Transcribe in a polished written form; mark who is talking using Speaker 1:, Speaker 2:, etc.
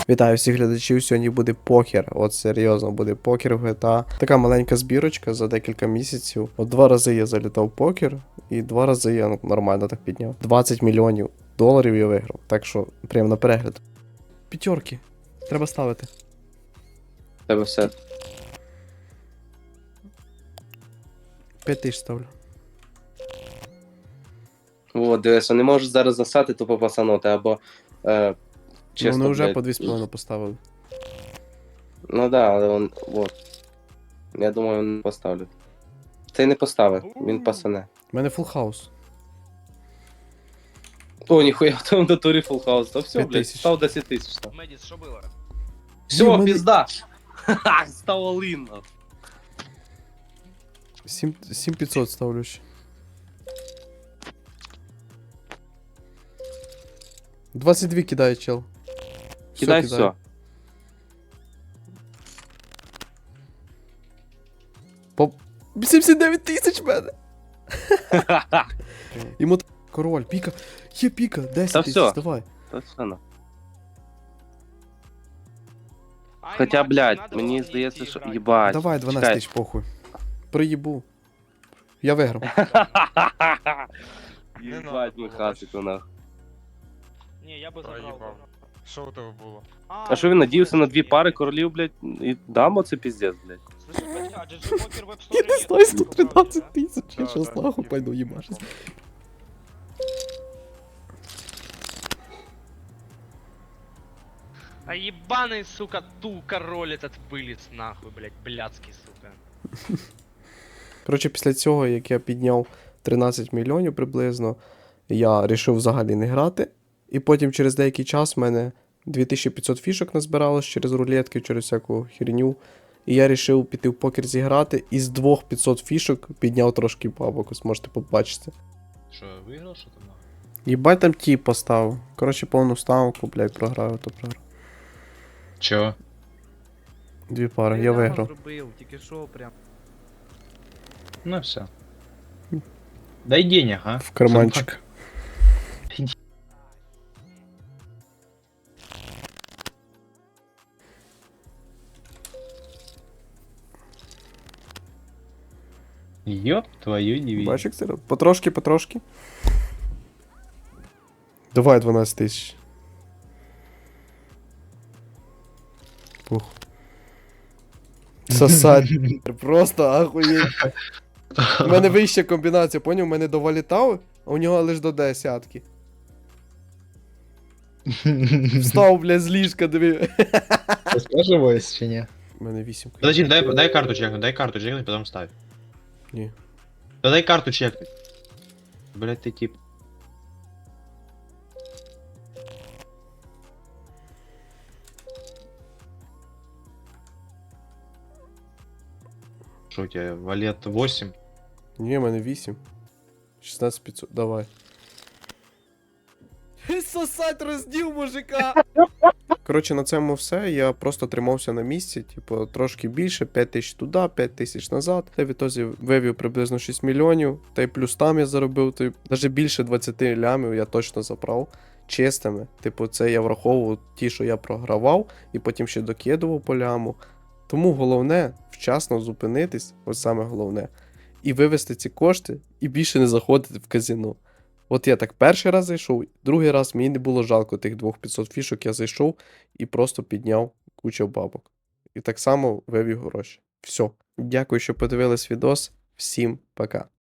Speaker 1: Вітаю всіх глядачів, сьогодні буде покер. От серйозно буде покер в GTA. Така маленька збірочка за декілька місяців. От 2 рази я залітав в покер, і 2 рази я нормально так підняв. 20 мільйонів доларів я виграв. Так що прямо на перегляд. П'ятерки. Треба ставити.
Speaker 2: Тебе все.
Speaker 1: 5 тисяч ставлю.
Speaker 2: О, дивись, не можеш зараз засати тупо пасанути, або
Speaker 1: Ну, вони вже
Speaker 2: блядь.
Speaker 1: по 2,5 поставили.
Speaker 2: Ну да, але он. Вот. Я думаю, він поставлю. Цей не поставив, він пасане.
Speaker 1: У мене фул хаус.
Speaker 2: О, ніхуя, в тому натурі фулл хаус. Та все,
Speaker 1: 5
Speaker 2: блядь,
Speaker 1: тисяч.
Speaker 2: став 10 тисяч. Став.
Speaker 3: Медіс, що було?
Speaker 2: Все,
Speaker 1: мене-
Speaker 2: пізда! Ха-ха, став олин.
Speaker 1: 7500 ставлю ще. 22 кидає чел.
Speaker 2: Кидай все.
Speaker 1: По 79 тисяч в мене. Йому король, піка. Є піка, 10
Speaker 2: Та
Speaker 1: тисяч,
Speaker 2: всьо.
Speaker 1: давай.
Speaker 2: Та все, ну. Хоча, блядь, мені здається, що їбать.
Speaker 1: Давай 12
Speaker 2: чекай.
Speaker 1: тисяч, похуй. Приїбу. Я виграв.
Speaker 2: Їбать, ми хасику нахуй.
Speaker 3: Ні, я би забрав.
Speaker 4: Проїбав. Що у тебе було?
Speaker 2: А що він надіявся на 2 пари королів, блядь, і дамо це піздець, блядь.
Speaker 3: Слышь, блядь, а GG Poker Web
Speaker 1: Я
Speaker 3: Store
Speaker 1: не
Speaker 3: нет,
Speaker 1: знаю,
Speaker 3: ты
Speaker 1: 113 тисяч.
Speaker 4: Да,
Speaker 1: Я щас
Speaker 4: да,
Speaker 1: нахуй
Speaker 4: є.
Speaker 1: пойду їбашись.
Speaker 3: А ебаный, сука, ту король этот вылез нахуй, блядь, блядский, сука.
Speaker 1: Коротше, після цього, як я підняв 13 мільйонів приблизно, я вирішив взагалі не грати. І потім через деякий час в мене 2500 фішок назбиралось через рулетки, через всяку херню. І я вирішив піти в покер зіграти, і з 2500 фішок підняв трошки бабок, ось можете побачити.
Speaker 4: Що, виграв, що там нахуй?
Speaker 1: Їбать там ті поставив. Коротше, повну ставку, блядь, програю, то програю.
Speaker 4: Чо?
Speaker 1: 2 пари, я виграв.
Speaker 5: Зробив, тільки що прям.
Speaker 4: Ну все. Дай денег, а?
Speaker 1: В карманчик.
Speaker 4: Ёб твою дивизию.
Speaker 1: Бачиш, як це? Потрошки, потрошки. Давай 12 тисяч. Пух. Сосать. Просто ахуєть. У мене вища комбінація, поняв? У мене довалітав, а у нього лиш до десятки. Встав, блядь, з ліжка, диви.
Speaker 4: Скаживаюсь чи ні?
Speaker 1: У мене 8.
Speaker 6: Подожди, дай карту чекнуть, потом ставь.
Speaker 1: Ні.
Speaker 6: Да дай карту чекнуть. Блять, ты тип. Что у тебя, валет 8?
Speaker 1: Ні, у мене 8. 16500, давай. Сосать розділ мужика! Коротше, на цьому все. Я просто тримався на місці, типу, трошки більше, 5 тисяч туди, 5 тисяч назад. Та в ітозі вивів приблизно 6 мільйонів. Та й плюс там я заробив, та й навіть більше 20 лямів я точно забрав. Чистими. Типу, це я враховував ті, що я програвав, і потім ще докидував по ляму. Тому головне вчасно зупинитись, ось саме головне, і вивести ці кошти, і більше не заходити в казино. От я так перший раз зайшов, другий раз мені не було жалко тих 2500 фішок, я зайшов і просто підняв кучу бабок. І так само вивів гроші. Все. Дякую, що подивились відос. Всім пока.